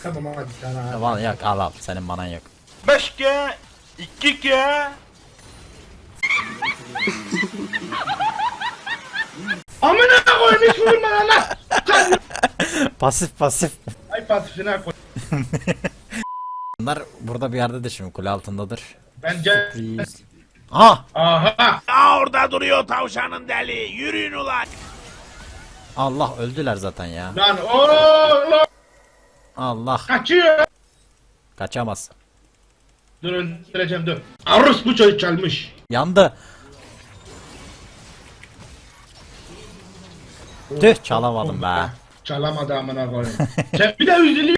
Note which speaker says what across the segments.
Speaker 1: Tamam hadi sana.
Speaker 2: Tamam yok al senin manan yok.
Speaker 3: 5G 2G.
Speaker 1: Amına koyayım hiç vurma lan.
Speaker 2: Pasif.
Speaker 1: Ay pasifine koy.
Speaker 2: Bunlar burada bir yerdedir şimdi, kule altındadır.
Speaker 1: Bence.
Speaker 2: Aha!
Speaker 1: Aha.
Speaker 3: Aa, orada duruyor tavşanın deli. Yürüyün ulan.
Speaker 2: Allah, öldüler zaten ya.
Speaker 1: Lan oğlum.
Speaker 2: Allah,
Speaker 1: Kaçıyor.
Speaker 2: kaçamaz.
Speaker 1: Dur öldüreceğim dur. Arus bu çocuk çalmış.
Speaker 2: Yandı. Tüh, çalamadım be.
Speaker 1: Çalamadı amına koyayım. Sen bir de üzülüyor.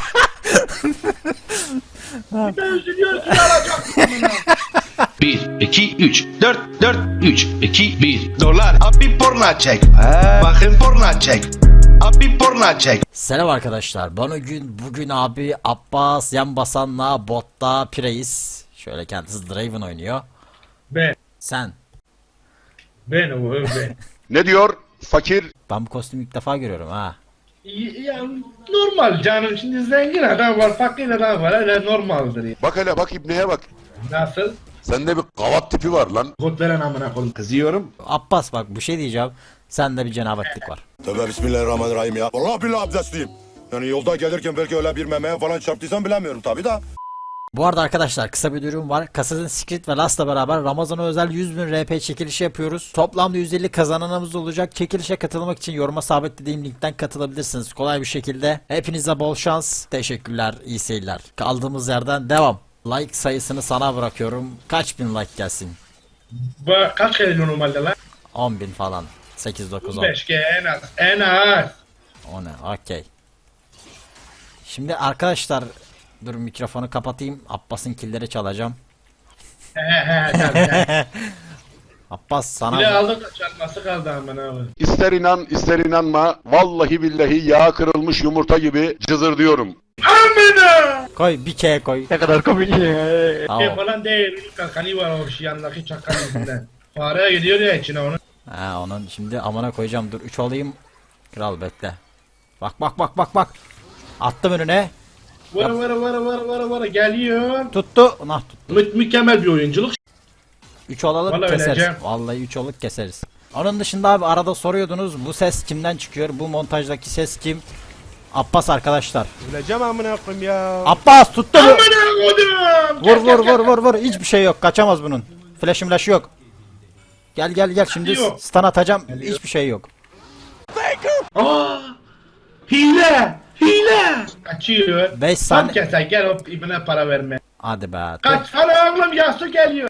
Speaker 1: Bir de üzülüyorsun alacaksın amına.
Speaker 4: 1, 2, 3, 4, 3, 2, 1. Dolar. Abi porno çek. Bakın porno çek. Abi porno çek.
Speaker 2: Selam arkadaşlar. Bugün abi Abbas yan basanla botta Pireis. Şöyle kendisi Draven oynuyor.
Speaker 1: Ben.
Speaker 2: Sen.
Speaker 1: Ben o ben.
Speaker 5: Ne diyor fakir?
Speaker 2: Ben bu kostümü ilk defa görüyorum ha.
Speaker 1: Ya normal canım, şimdi zengin adam var, fakir adam var, öyle normaldir ya.
Speaker 5: Bak hele bak ibneye bak.
Speaker 1: Nasıl?
Speaker 5: Sende bir kavat tipi var lan.
Speaker 1: Kod veren amına koyayım.
Speaker 5: Kızıyorum.
Speaker 2: Abbas bak, bir şey diyeceğim. Sende bir cenabetlik var.
Speaker 6: Tövbe bismillahirrahmanirrahim ya. Vallahi billahi abdestliyim. Yani yolda gelirken belki öyle bir memeye falan çarptıysam bilemiyorum tabi da.
Speaker 2: Bu arada arkadaşlar kısa bir duyurum var. Assassin's Creed ve Last'la beraber Ramazan'a özel 100.000 RP çekilişi yapıyoruz. Toplamda 150 kazananımız olacak. Çekilişe katılmak için yoruma sabitlediğim linkten katılabilirsiniz. Kolay bir şekilde. Hepinize bol şans. Teşekkürler. İyi seyirler. Kaldığımız yerden devam. Like sayısını sana bırakıyorum. Kaç bin like gelsin?
Speaker 1: Bu kaç kere normalde lan?
Speaker 2: 10.000 falan. 8-9-10.
Speaker 1: 5 kere en az. En az.
Speaker 2: O ne? Okey. Şimdi arkadaşlar, dur mikrofonu kapatayım. Abbas'ın killeri çalacağım.
Speaker 1: He tabii.
Speaker 2: Abbas sana...
Speaker 1: Bile aldık da çarpması kaldı amına abi.
Speaker 5: İster inan ister inanma. Vallahi billahi yağ kırılmış yumurta gibi cızır diyorum.
Speaker 1: Amına!
Speaker 2: Koy bir K koy. Ne kadar komik ya.
Speaker 1: Şey falan değil. Kalkanı var o şey yanındaki çakanın içinden. Fareye gidiyor ya içine onu.
Speaker 2: Ha, onun şimdi amına koyacağım. Dur 3 olayım. Kral bekle. Bak. Attım önüne.
Speaker 1: Vara geliyor.
Speaker 2: Tuttu. Nah tuttu.
Speaker 1: Mükemmel bir oyunculuk.
Speaker 2: 3 olalım
Speaker 1: Vallahi
Speaker 2: keseriz.
Speaker 1: öleceğim.
Speaker 2: Vallahi 3 olup keseriz. Onun dışında abi arada soruyordunuz, bu ses kimden çıkıyor? Bu montajdaki ses kim? Abbas arkadaşlar.
Speaker 3: Öleceğim amına koyayım ya.
Speaker 2: Abbas tuttu mu?
Speaker 1: Amına kodum.
Speaker 2: Vur. Hiçbir şey yok. Kaçamaz bunun. Flash'ı yok. Gel. Şimdi
Speaker 1: Yok.
Speaker 2: stun atacağım. Hiçbir şey yok.
Speaker 1: Aa! Hile! Kaçıyor.
Speaker 2: 5
Speaker 1: Tam
Speaker 2: saniye.
Speaker 1: keser gel o ibine para verme.
Speaker 2: Hadi be.
Speaker 1: Kaç sana oğlum Yasu geliyor.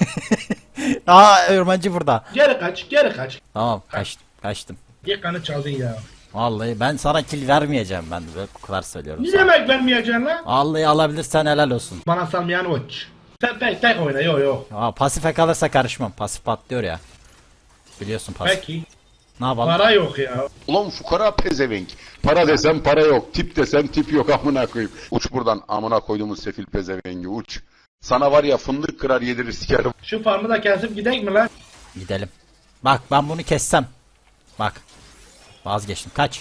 Speaker 2: Aa, örmancı burada.
Speaker 1: Geri kaç.
Speaker 2: Tamam, kaçtım.
Speaker 1: Yakanı çaldın ya.
Speaker 2: Vallahi ben sana kill vermeyeceğim, ben de bu kadar söylüyorum
Speaker 1: Ne
Speaker 2: sana.
Speaker 1: demek vermeyeceksin lan?
Speaker 2: Vallahi alabilirsen helal olsun.
Speaker 1: Bana salmayan uç. Sen tek oyna yok.
Speaker 2: Aa, pasife kalırsa karışmam. Pasif patlıyor ya. Biliyorsun pasif.
Speaker 1: Peki.
Speaker 2: Ne yapalım?
Speaker 1: Para yok ya.
Speaker 5: Ulan fukara pezevenk. Para desem para yok. Tip desem tip yok amına koyayım. Uç buradan amına koyduğumuz sefil pezevengi uç. Sana var ya fındık kırar yedirir sikerim.
Speaker 1: Şu farmı da kesip gidek mi lan?
Speaker 2: Gidelim. Bak ben bunu kessem. Bak. Vazgeçtim. Kaç.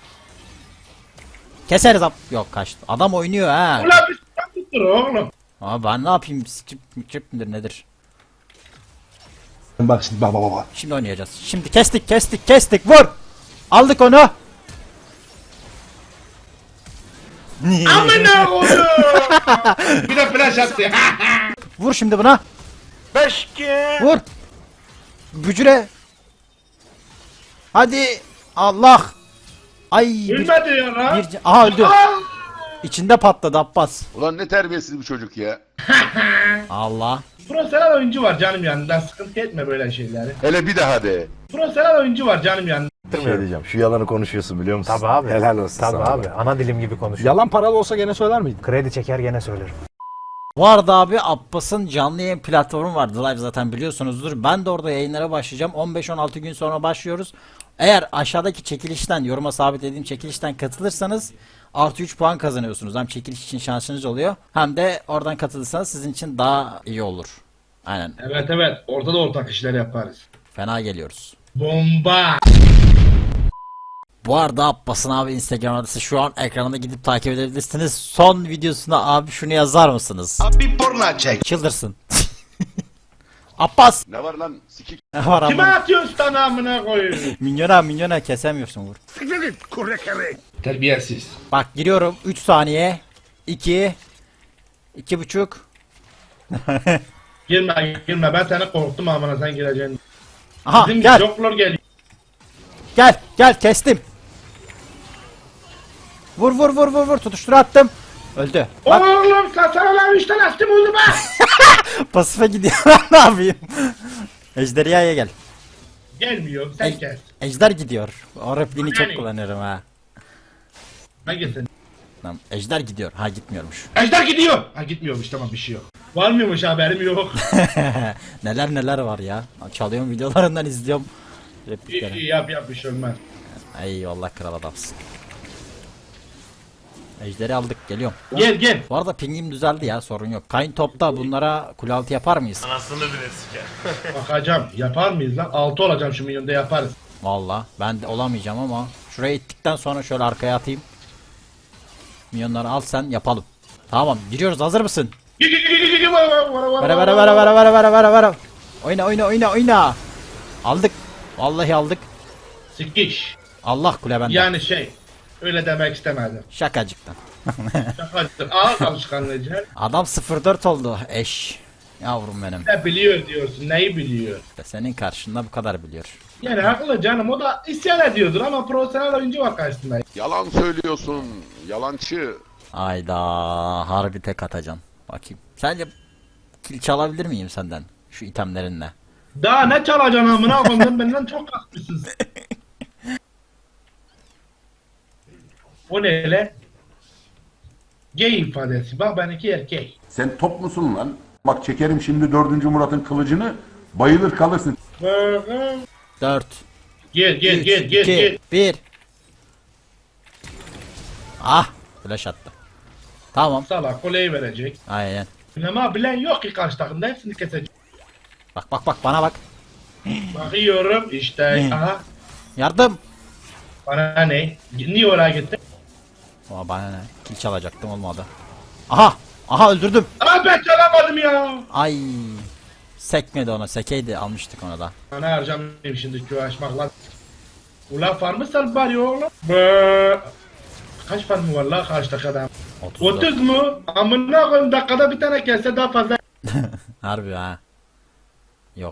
Speaker 2: Keseriz yok kaçtı. Adam oynuyor ha.
Speaker 1: Ulan bir s*** tuttur oğlum.
Speaker 2: Ama ben ne yapayım? Skip midir nedir?
Speaker 6: Bak şimdi bak.
Speaker 2: Şimdi oynayacağız. Şimdi kestik. Vur. Aldık onu.
Speaker 1: Amına koydum. Bir de flash attı.
Speaker 2: Vur şimdi buna.
Speaker 3: 5G.
Speaker 2: Vur. Bücüre. Hadi. Allah. Ay.
Speaker 1: Ölmedi ya lan.
Speaker 2: Aha öldü. İçinde patladı Abbas.
Speaker 5: Ulan ne terbiyesiz bir çocuk ya.
Speaker 2: Allah.
Speaker 1: Profesyonel oyuncu var canım yanında. Sıkıntı etme böyle şeyleri.
Speaker 5: Hele bir daha de.
Speaker 1: Profesyonel oyuncu var canım yanında.
Speaker 6: Şey diyeceğim, şu yalanı konuşuyorsun biliyor musun?
Speaker 7: Tabii abi.
Speaker 6: Helal olsun
Speaker 7: Tabii
Speaker 6: sana.
Speaker 7: abi. Ana dilim gibi konuşuyor.
Speaker 6: Yalan paralı olsa gene söyler miydin?
Speaker 7: Kredi çeker gene söylerim.
Speaker 2: Bu arada abi Abbas'ın canlı yayın platformu var. The Live zaten biliyorsunuzdur. Ben de orada yayınlara başlayacağım. 15-16 gün sonra başlıyoruz. Eğer aşağıdaki çekilişten, yoruma sabitlediğim çekilişten katılırsanız artı 3 puan kazanıyorsunuz. Hem çekiliş için şansınız oluyor. Hem de oradan katılırsanız sizin için daha iyi olur. Aynen.
Speaker 1: Evet. Orada da ortak işler yaparız.
Speaker 2: Fena geliyoruz.
Speaker 1: Bomba.
Speaker 2: Bu arada Abbas'ın abi Instagram adresi şu an ekranda, gidip takip edebilirsiniz. Son videosuna abi şunu yazar mısınız?
Speaker 4: Abi porno çek.
Speaker 2: Çıldırsın. Abbas.
Speaker 5: Ne var lan sikik?
Speaker 2: Ne var
Speaker 1: Kime
Speaker 2: ama?
Speaker 1: atıyorsun sana amına koyayım?
Speaker 2: Minyona kesemiyorsun vur.
Speaker 1: Terbiyesiz.
Speaker 2: Bak giriyorum 3 saniye. 2 2,5.
Speaker 1: Girme ben seni korktum amına sen gireceksin.
Speaker 2: Aha
Speaker 1: Bizim
Speaker 2: gel
Speaker 1: joklar geliyor.
Speaker 2: gel kestim. Vur tutuştur attım. Öldü. Bak
Speaker 1: Oğlum sana lan 3 tane astım oldu be.
Speaker 2: pasife gidiyor. Ne yapayım? Ejderhaya gel.
Speaker 1: Gelmiyor sen kes.
Speaker 2: Ejder gidiyor. O repliğini çok
Speaker 1: Yani.
Speaker 2: kullanıyorum ha.
Speaker 1: Hangisin?
Speaker 2: Tamam, ejder gidiyor. Ha gitmiyormuş.
Speaker 1: Ejder gidiyor. Ha gitmiyormuş tamam bir şey yok. Var mıymış haberim yok.
Speaker 2: Neler var ya. Çalıyorum videolarından izliyorum.
Speaker 1: İyi,
Speaker 2: Replikleri.
Speaker 1: iyi yap bir şey olmaz.
Speaker 2: Eyvallah kral adamsın. Ejderi aldık geliyorum.
Speaker 1: Gel.
Speaker 2: Bu arada pingim düzeldi ya, sorun yok. Kayn topta bunlara kule altı yapar mıyız?
Speaker 3: Anasını bile siker.
Speaker 1: Bakacağım. Yapar mıyız lan? 6 olacağım şu milyonda yaparız.
Speaker 2: Valla ben de olamayacağım ama şuraya ittikten sonra şöyle arkaya atayım. Milyonları al sen, yapalım. Tamam giriyoruz, hazır mısın? Vere. Oyna. Aldık. Vallahi aldık.
Speaker 1: Sikiş.
Speaker 2: Allah kule bende.
Speaker 1: Yani öyle demek istemedim.
Speaker 2: Şakacıktan.
Speaker 1: Şakacıdır. Ağır alışkanlığı.
Speaker 2: Adam 0-4 oldu eş. Yavrum benim.
Speaker 1: Ne biliyor diyorsun. Neyi biliyor?
Speaker 2: Senin karşında bu kadar biliyor.
Speaker 1: Yani haklı canım. O da isyan ediyordur ama profesyonel oyuncu var karşısında.
Speaker 5: Yalan söylüyorsun. Yalancı.
Speaker 2: Ayda harbi tek atacaksın. Bakayım. Sence kill çalabilir miyim senden? Şu itemlerinle.
Speaker 1: Daha ne çalacaksın amına koyayım benden çok haklısın. O ne öyle? Gay ifadesi. Bak ben iki erkek.
Speaker 8: Sen top musun lan? Bak çekerim şimdi 4. Murat'ın kılıcını, bayılır kalırsın.
Speaker 2: 4
Speaker 1: Gel.
Speaker 2: 1. Ah, flash attı. Tamam.
Speaker 1: Salak koleyi verecek.
Speaker 2: Aynen.
Speaker 1: Ama bilen yok ki karşı takımda hepsini kesecek.
Speaker 2: Bak bana bak.
Speaker 1: Bakıyorum işte. Aha.
Speaker 2: Yardım.
Speaker 1: Bana ne? Niye oraya gittin?
Speaker 2: Ama bana ne? Kill çalacaktım, olmadı. Aha öldürdüm.
Speaker 1: Aa ben çalamadım ya.
Speaker 2: Ay. Sekmedi ona, sekeydi almıştık onu da.
Speaker 1: Bana harcamayayım şimdi köy açmakla. Ulan farmı sal bari oğlum. Be. Kaç farmı var la karşıdaki adam? 30 mu? Amına koyayım dakikada bir tane kesse daha fazla.
Speaker 2: Harbi ha. Yok.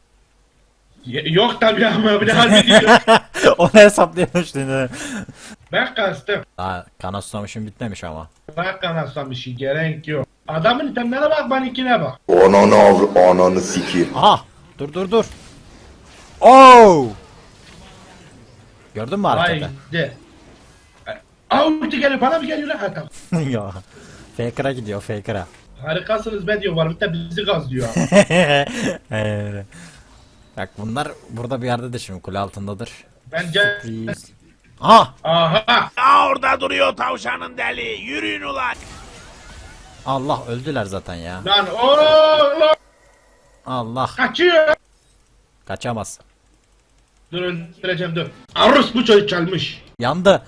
Speaker 1: Yok tabii ama bir de harbi diyor.
Speaker 2: Onu hesaplıyormuş dedi.
Speaker 1: Ben kastım.
Speaker 2: Daha kanaslamışım bitmemiş ama.
Speaker 1: Ben kanasam bir şey gerek yok. Adamın itemlerine bak benimkine bak.
Speaker 6: Ananı sikeyim.
Speaker 2: Aha! Dur. Oh! Gördün mü hareketi?
Speaker 1: Haydi. Aa ulti geliyor bana mı geliyor lan? Ha tamam.
Speaker 2: Ya. Faker'a gidiyor, Faker'a.
Speaker 1: Harikasınız be diyor var bir de bizi gazlıyor.
Speaker 2: Evet. Bak bunlar burada bir yerdedir şimdi, kule altındadır.
Speaker 1: Bence...
Speaker 2: Please. Aha!
Speaker 1: Aha!
Speaker 3: Aa orada duruyor tavşanın deli. Yürüyün ulan.
Speaker 2: Allah, öldüler zaten ya.
Speaker 1: Lan oğlum!
Speaker 2: Allah.
Speaker 1: Kaçıyor!
Speaker 2: Kaçamaz.
Speaker 1: Dur öldüreceğim dur. Arus bu çocuk çalmış.
Speaker 2: Yandı.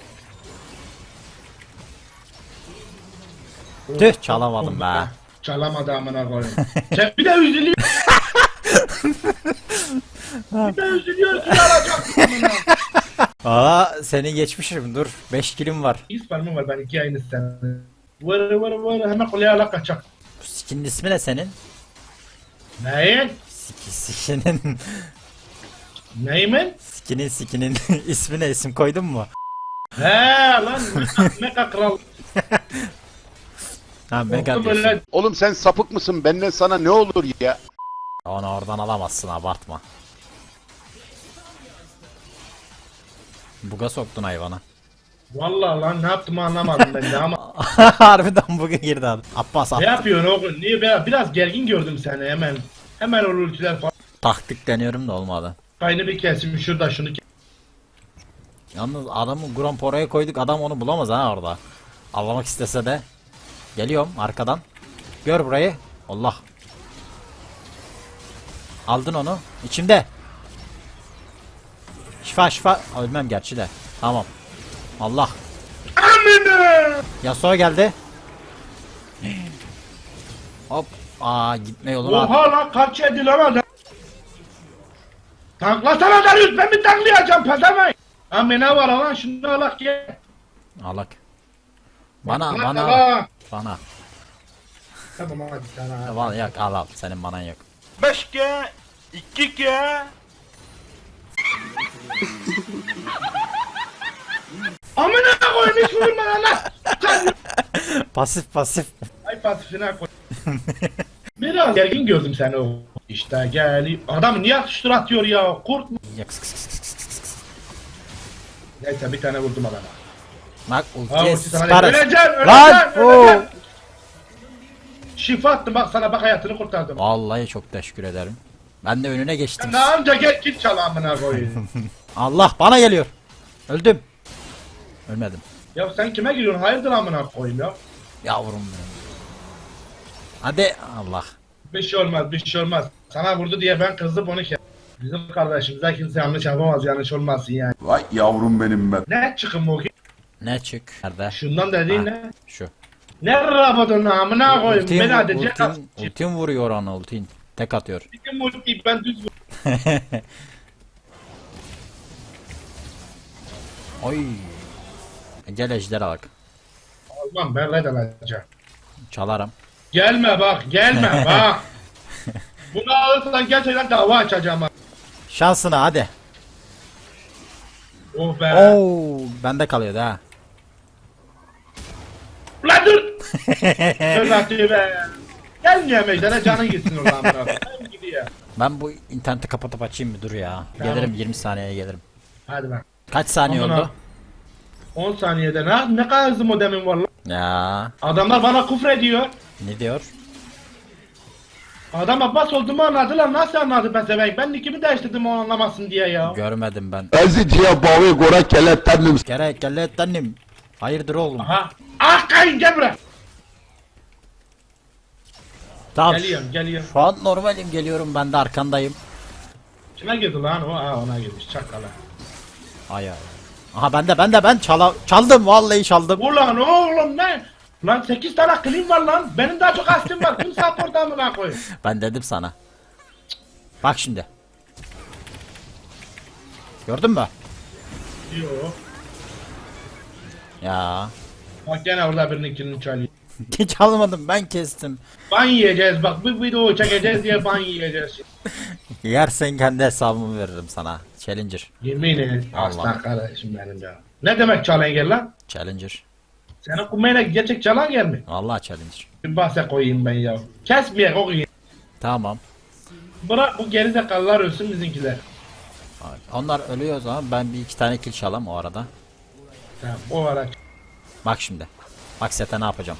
Speaker 2: Tüh, çalamadım be.
Speaker 1: Çalamadı amına koyayım. Sen bir de üzülüyor. Bir de üzülüyor ki alacaksın amına.
Speaker 2: Aa, seni geçmişim, dur. 5 kilim var.
Speaker 1: İsparmım var ben iki aynı sen. Vır hemen kuleye ala kaçak.
Speaker 2: Bu skinin ismi ne senin?
Speaker 1: Neyin?
Speaker 2: Skinin.
Speaker 1: Neyimin?
Speaker 2: Skinin ismi ne, isim koydun mu?
Speaker 1: He lan meka kral.
Speaker 2: Ha, mega
Speaker 1: Oldu
Speaker 2: diyorsun.
Speaker 1: böyle.
Speaker 5: Oğlum sen sapık mısın? Benden sana ne olur ya?
Speaker 2: Onu oradan alamazsın, abartma. Buga soktun hayvanı.
Speaker 1: Vallahi lan ne yaptım anlamadım ben de ama.
Speaker 2: Harbiden buga girdi adam. Abbas
Speaker 1: Ne
Speaker 2: attı.
Speaker 1: yapıyorsun oğlum? Niye biraz gergin gördüm seni hemen. Hemen o ultiler falan.
Speaker 2: Taktik deniyorum da olmadı.
Speaker 1: Kaynı bir kesim şurada şunu kes.
Speaker 2: Yalnız adamı Gromp oraya koyduk, adam onu bulamaz ha orada. Avlamak istese de. Geliyorum arkadan. Gör burayı. Allah. Aldın onu. İçimde. Şifa. Ölmem gerçi de. Tamam. Allah.
Speaker 1: Amına.
Speaker 2: Yasuo geldi. Hop. Aa gitme yoluna at.
Speaker 1: Oha lan kaç yedi lan adam. Tanklasana Darius, ben bir tanklayacağım pezevenk. Amına var lan, şunu alak ye.
Speaker 2: Alak. Bana.
Speaker 1: Tamam hadi sana.
Speaker 2: Vallahi yok al senin manan yok.
Speaker 3: 5G, 2G.
Speaker 1: Amına koyayım, hiç vurma lan.
Speaker 2: Pasif.
Speaker 1: Ay pasifine koy. Biraz gergin gördüm seni o. İşte gel. Adam niye atıştır atıyor ya? Kurt mu?
Speaker 2: Yok.
Speaker 1: Neyse bir tane vurdum adama.
Speaker 2: Bak
Speaker 1: Ha,
Speaker 2: ultiye
Speaker 1: ulti sana
Speaker 2: süper.
Speaker 1: değil.
Speaker 2: Lan! Oo!
Speaker 1: Şifa attım bak sana, bak hayatını kurtardım.
Speaker 2: Vallahi çok teşekkür ederim. Ben de önüne geçtim.
Speaker 1: Ne anca gel git çal amına koyayım.
Speaker 2: Allah bana geliyor. Öldüm. Ölmedim.
Speaker 1: Ya sen kime giriyorsun? Hayırdır amına koyayım ya?
Speaker 2: Yavrum benim. Hadi Allah.
Speaker 1: Bir şey olmaz. Sana vurdu diye ben kızdım onu kes. Bizim kardeşimize kimse yanlış yapamaz, yanlış olmasın yani.
Speaker 8: Vay yavrum benim be.
Speaker 1: Ne çıkın bu ki?
Speaker 2: Ne çık? Nerede?
Speaker 1: Şundan dediğin
Speaker 2: Ha,
Speaker 1: ne?
Speaker 2: Şu.
Speaker 1: Ne rabadın amına koyayım? Beni hadi
Speaker 2: Ultim vuruyor ona ultin. Tek atıyor.
Speaker 1: Bizim ultiyi ben düz vur.
Speaker 2: Oy. Gel ejderha bak.
Speaker 1: Almam, ben red alacağım.
Speaker 2: Çalarım.
Speaker 1: Gelme bak. Bak. Bunu alırsan gerçekten dava açacağım bak.
Speaker 2: Şansına hadi.
Speaker 1: Oh be.
Speaker 2: Oo, bende kalıyordu ha.
Speaker 1: Ulan dur. Dur bakayım be. Gelmiyor meydana, canın gitsin oradan bana. Ben gidiyor.
Speaker 2: Ben bu interneti kapatıp açayım mı? Dur ya.
Speaker 1: Tamam.
Speaker 2: Gelirim 20 saniyeye gelirim.
Speaker 1: Hadi bak.
Speaker 2: Kaç saniye
Speaker 1: Aman
Speaker 2: oldu?
Speaker 1: 10 saniyede ne kadar hızlı modemin var lan.
Speaker 2: Ya
Speaker 1: Adamlar bana küfrediyor.
Speaker 2: ne diyor?
Speaker 1: Adam Abbas olduğumu anladılar. Nasıl anladı pezevenk? Ben nickimi değiştirdim o anlamasın diye ya.
Speaker 2: Görmedim ben.
Speaker 5: Eziciye bavi gora kelettendim.
Speaker 2: Gerek gel annem. Hayırdır oğlum?
Speaker 1: Aha. Ah kayın gel buraya.
Speaker 2: Tamam.
Speaker 1: Geliyorum.
Speaker 2: Şu an normalim geliyorum ben de arkandayım.
Speaker 1: Kime girdi lan o? Ha ona girmiş çakala.
Speaker 2: Ay. Aha ben çaldım vallahi çaldım.
Speaker 1: Ulan oğlum ne? Lan 8 tane clean var lan. Benim daha çok astim var. Kim support amına koy.
Speaker 2: Ben dedim sana. Bak şimdi. Gördün mü?
Speaker 1: Yo.
Speaker 2: Ya.
Speaker 1: Bak gene orada birinin killini çalıyor.
Speaker 2: Hiç almadım ben kestim.
Speaker 1: Ban yiyeceğiz bak, bir video çekeceğiz diye ban yiyeceğiz.
Speaker 2: Yersen kendi hesabımı veririm sana. Challenger.
Speaker 1: Yemin ederim.
Speaker 2: Allah.
Speaker 1: Aslan kardeşim benim ya. Ne demek challenger lan?
Speaker 2: Challenger.
Speaker 1: Senin kumayla gerçek challenger mi?
Speaker 2: Vallahi challenger.
Speaker 1: Bir bahse koyayım ben ya. Kesmeyek o gün.
Speaker 2: Tamam.
Speaker 1: Bırak bu gerizekalılar ölsün bizimkiler.
Speaker 2: Onlar ölüyor o zaman ben bir iki tane kill çalam o arada.
Speaker 1: Tamam o ara.
Speaker 2: Bak şimdi. Bak sete ne yapacağım.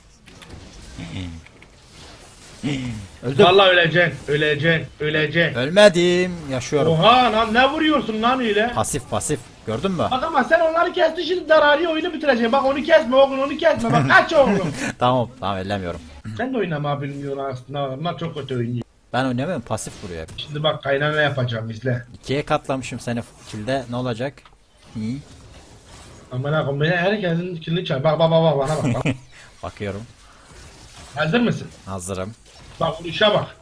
Speaker 2: Öldüm.
Speaker 1: Vallahi öleceksin.
Speaker 2: Ölmedim. Yaşıyorum.
Speaker 1: Oha lan ne vuruyorsun lan öyle?
Speaker 2: Pasif. Gördün mü?
Speaker 1: Bak ama sen onları kestin, şimdi darari oyunu bitireceksin. Bak onu kesme oğlum, onu kesme. Bak kaç oğlum.
Speaker 2: Tamam ellemiyorum.
Speaker 1: Sen de oynama bilmiyorsun aslında. Onlar çok kötü oynuyor.
Speaker 2: Ben oynamıyorum pasif vuruyor hep.
Speaker 1: Şimdi bak kaynana yapacağım izle.
Speaker 2: 2'ye katlamışım seni kilde ne olacak? Hı?
Speaker 1: Amına koyayım beni herkesin kilini çal. Bak bana bak.
Speaker 2: Bakıyorum.
Speaker 1: Hazır mısın?
Speaker 2: Hazırım.
Speaker 1: Bak vuruşa bak.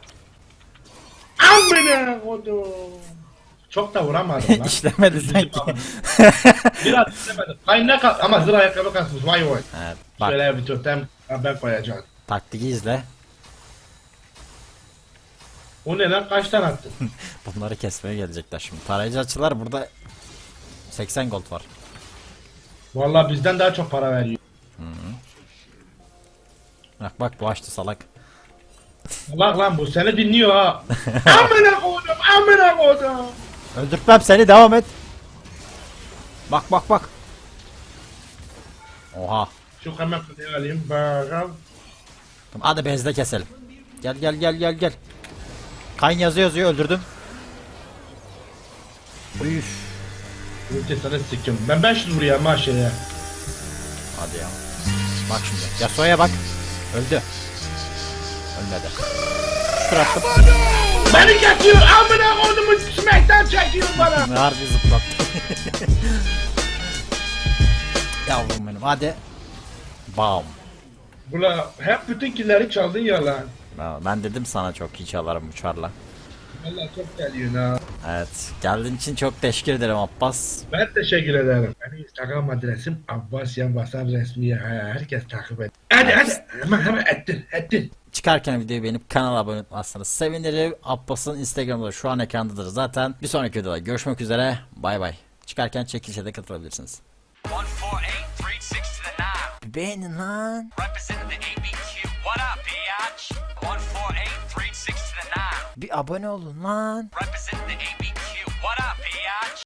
Speaker 1: Amına koydum. Çok da vuramadım lan.
Speaker 2: İşlemedi sanki.
Speaker 1: Biraz istemedim. Kaynak at ama zırh ayakkabı kasmış. Vay.
Speaker 2: Evet, bak
Speaker 1: Şöyle bir totem ben koyacağım.
Speaker 2: taktiği izle.
Speaker 1: O ne lan, kaç tane attın?
Speaker 2: Bunları kesmeye gelecekler şimdi. Tarayıcı açılar burada 80 gold var.
Speaker 1: Vallahi bizden daha çok para veriyor.
Speaker 2: Bak bu açtı salak.
Speaker 1: Bak lan bu seni dinliyor ha. Amına koydum.
Speaker 2: Öldürtmem seni devam et. Bak. Oha.
Speaker 1: Şu hemen kutuyu alayım. Bakalım.
Speaker 2: Tamam, hadi bezde keselim. Gel. Kayn yazıyor öldürdüm. Üf.
Speaker 1: Ulti sana sikim. Ben 500 vuruyorum ha şeye.
Speaker 2: Hadi ya. Bak şimdi. Yasuo'ya bak. Öldü. Ölmedi. Şükür attım.
Speaker 1: Beni geçiyor. Amına koyduğumu smack'ten çekiyor bana.
Speaker 2: Harbi zıplattı. Yavrum benim hadi. Bam.
Speaker 1: Ula hep bütün killeri çaldın ya lan.
Speaker 2: Ben dedim sana çok iyi çalarım uçarla.
Speaker 1: Valla çok geliyorsun ha.
Speaker 2: Evet. Geldiğin için çok teşekkür ederim Abbas.
Speaker 1: Ben teşekkür ederim. Benim Instagram adresim Abbas Yan Basan resmi. Herkes takip et. Hadi hemen ettir.
Speaker 2: Çıkarken videoyu beğenip kanala abone olmazsanız sevinirim. Abbas'ın Instagram'da şu an ekrandadır zaten. Bir sonraki videoda görüşmek üzere. Bay bay. Çıkarken çekilişe de katılabilirsiniz.
Speaker 9: 14836 to the 9.
Speaker 2: Bir beğenin lan.
Speaker 9: Representing the ABQ. What up, biatch? 14836 to the 9.
Speaker 2: Bir abone olun lan.
Speaker 9: Representing the ABQ.